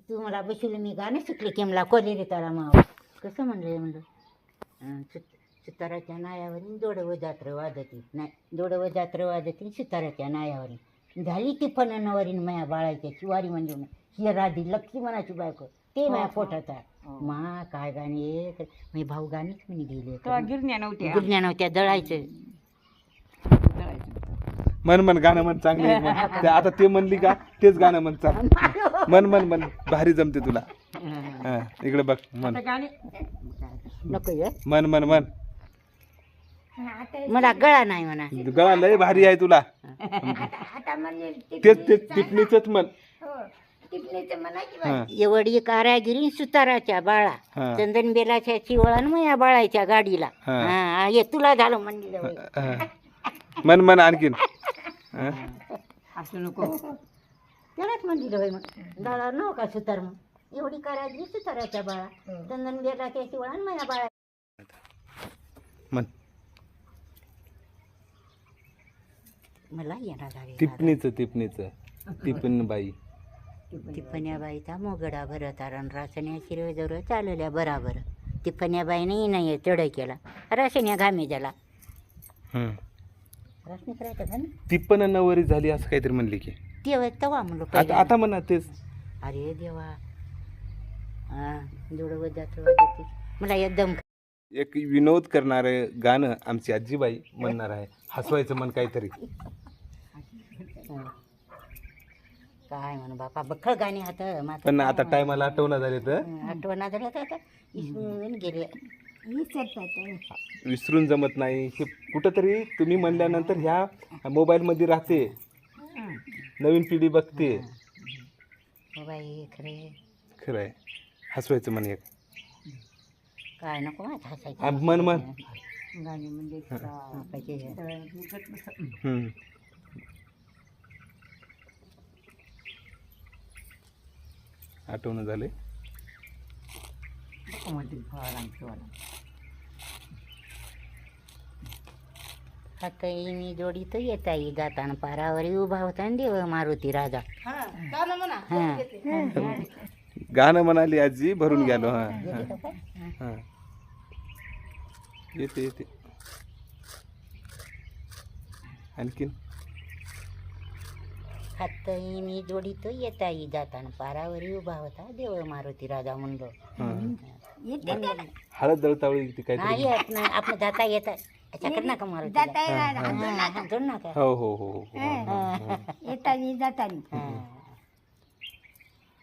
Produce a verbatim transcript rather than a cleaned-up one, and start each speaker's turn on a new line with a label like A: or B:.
A: तू मला बसवलं मी गाणं शिकले की मला कोले रे तारा माव कसं म्हणलं म्हणलं सुताराच्या नायावरील दोडव जात्र वाजती नाही दोडव जात्र वाजती सुताराच्या नायावरील झाली ती फणनवरील माया बाळाच्या शिवारी म्हणजे ही राधी लक्ष्मणाची बायको ते माझ्या पोटात आहे मा काय गाणे मी भाऊ गाणीच मी गेले
B: गिरण्या नव्हत्या
A: गिरण्या नव्हत्या दळायचं
C: मन मन गाणं म्हण चांगलं आहे म्हण. ते आता ते म्हणली का तेच गाणं म्हण चांग मन मन मन भारी जमते तुला हा इकडे बघ मन
B: गाणे
A: नको ये.
C: मन मन मन
A: मला गळा नाही म्हणा
C: गळा लय भारी आहे तुला तेच तेच टिपणीच म्हण हा.
A: एवढी कारागिरी सुताराच्या बाळा
C: हा.
A: चंदन बेलाच्या चिवळण मग या बाळाच्या गाडीला
C: हा.
A: हा ये तुला झालं म्हणलं
C: हा. मन मन आणखीन हा.
B: असं नको
A: त्यालाच म्हणलं होय मग दादा नव का सुतार मग एवढी कारागिरी सुताराच्या बाळा चंदन बेलाच्या चिवळण मग या बाळा
C: मन
A: मला येणार झाले
C: टिपणीच टिपणीच टिपण बाई
A: टिपण्याबाईचा मोगडा भर तारण रासण्या शिरव जवळ चालवल्या बराबर टिपण्याबाईने नाही चढ केला रासण्या घामे झाला
C: हम्म.
A: रासने करायचं का ना
C: टिपण नवरी झाली असं काहीतरी म्हणली की
A: तेव्हा तवा म्हणलो
C: आता
A: पहिल्यांदा.
C: आता म्हणा तेच
A: अरे देवा हा जोडवत जातो वाजवते. मला एकदम
C: एक विनोद करणार गाणं आमची आजीबाई म्हणणार आहे हसवायचं मन काहीतरी
A: काय म्हणू बापा बखळ गाणे हात
C: पण आता टायमाला आठवणं झाले तर
A: आठवणा झाल्या तर आता इसरून गेले
C: विसरून जमत नाही हे कुठंतरी तुम्ही म्हणल्यानंतर ह्या मोबाईलमध्ये राहते नवीन पिढी बघते
A: हो बाई खरे
C: खरं आहे हसवायचं मन एक
A: काय नको माहित हसायचं
C: आ, मन मन
B: गाणे म्हणजे
A: हा, पाहिजे.
C: हम्म. आठवणं झाले
A: हाताईनी जोडी तर येता येई जाताना पारावरी उभा होता न देव मारुती राजा हा
C: गाणं म्हणाली आजी भरून गेलो हा
A: येते का?
C: हा येते येते आणखीन
A: हाताईनी जोडी तो येता येई जाताना पारावरी उभा होता देव मारुती राजा म्हणलो
C: हा. हळद दळतावळी ती
A: नाही
C: काहीतरी
A: येत नाही आपण जाता येत याच्याकडे नका मारुती
B: जाता येणार
C: हो हो हो हो
B: येतानी जातानी
A: हा